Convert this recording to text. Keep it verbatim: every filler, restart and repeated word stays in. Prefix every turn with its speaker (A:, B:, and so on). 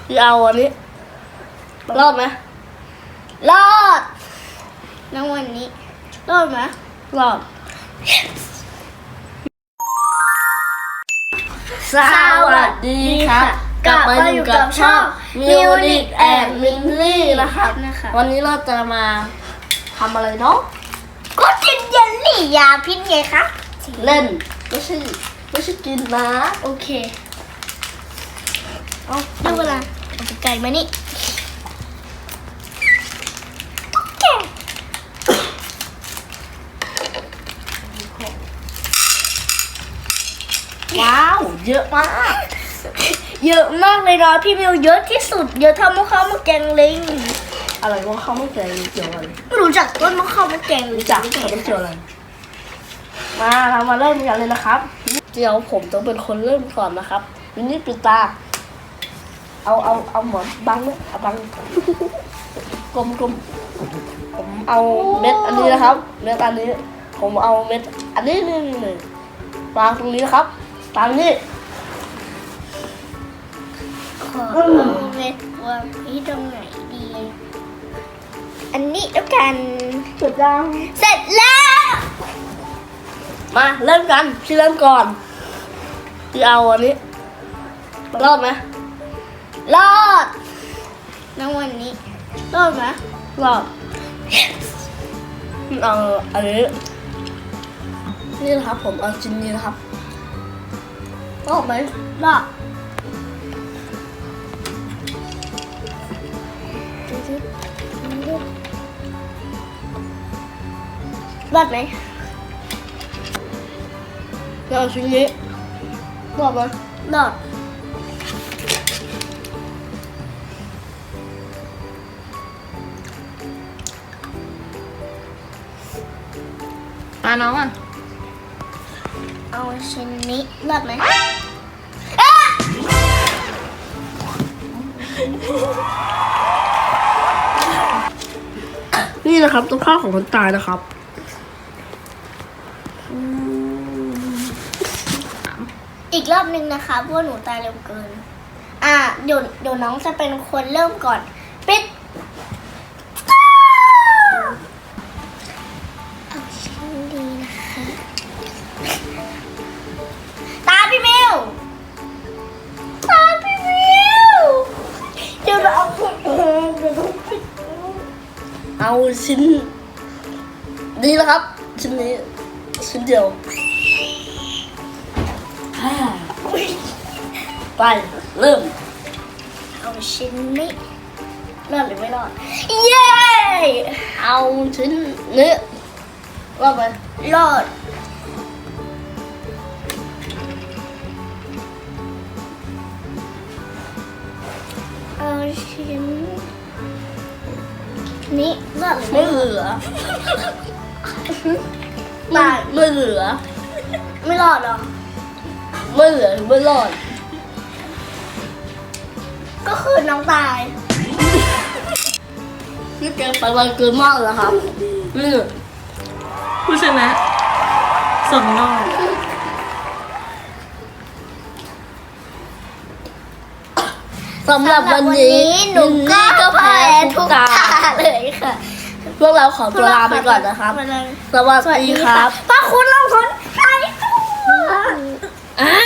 A: พี่เอาอันนี้รอดไหมรอดในวันนี้รอดไหมรอดสวัสดีครับกลับมาอยู่กับช่องมิวนิกแอนด์มินลี่นะครับวันนี้เราจะมาทำอะไรเนาะก็กินเยลลี่ยาพิษไงครับเล่นไม่ใช่ไม่ใช่กินนะโอเคเอาดูเวลาเอาไก่มานี่ว้าวเยอะมากเยอะมากเลยนะพี่มิวเยอะที่สุดเยอะเท่ามะเข้ามะแกงลิงอะไรมะเข้ามะแกงลิงเกี่ยวอะไรไม่รู้จักต้นมะเข้ามะแกงลิงรู้จักแต่ไม่เกี่ยวอะไรมาเรามาเริ่มกันเลยนะครับเดี๋ยวผมต้องเป็นคนเริ่มก่อนนะครับมินนี่ปิดตาเอาเอาเอาหมอนบังเนี่ยเอาบังกลมกลมผมเอาเม็ดอันนี้นะครับเม็ดอันนี้ผมเอาเม็ดอันนี้นี่นี่วางตรงนี้นะครับตามนี้ขอเอาเม็ดวางที่ตรงไหนดีอันนี้แล้วกันเสร็จแล้วเสร็จแล้วมาเริ่มกันพี่เริ่มก่อนพี่เอาอันนี้รอดไหมรอดในวันนี้รอดไหมรอดเอาอันนี้นี่นะครับผมเอาชิ้นนี้นะครับรอดไหมรอดรอดไหมเอาชิ้นนี้รอดไหมรอด
B: มาน้องอ่ะ
A: เอาชิ้นนี้รอดไหมนี่นะครับตัวข้าวของคนตายนะครับอีกรอบนึงนะคะเพราะหนูตายเร็วเกินอ่ะเดี๋ยวเดี๋ยวน้องจะเป็นคนเริ่มก่อนปิดเอาชิ้นดีนะคะตาพี่มิวตาพี่มิวเดี๋ยวเราเอาเดี๋ยวต้องปิดเอาชิ้นนี้นะครับชิ้นนี้ชิ้นเดียวไปเริ่มเอาชิ้นนี้รอดหรือไม่รอดเย้เอาชิ้นนี้รอดไหมรอดเอาชิ้นนี้รอดหรือไม่เหลือตายไม่เหลือไม่รอดหรอไม่เหลือหรือไม่รอดก็คือน้องตายนี่แกไปไวเกินมากเลยครับนี่
B: ผู้ชนะส่งนอก
A: สำหรับวันนี้หนูก็แพ้ทุกตาเลยค่ะพวกเราขอตัวลาไปก่อนนะครับสวัสดีครับพระคุณเราคนไทยอ่า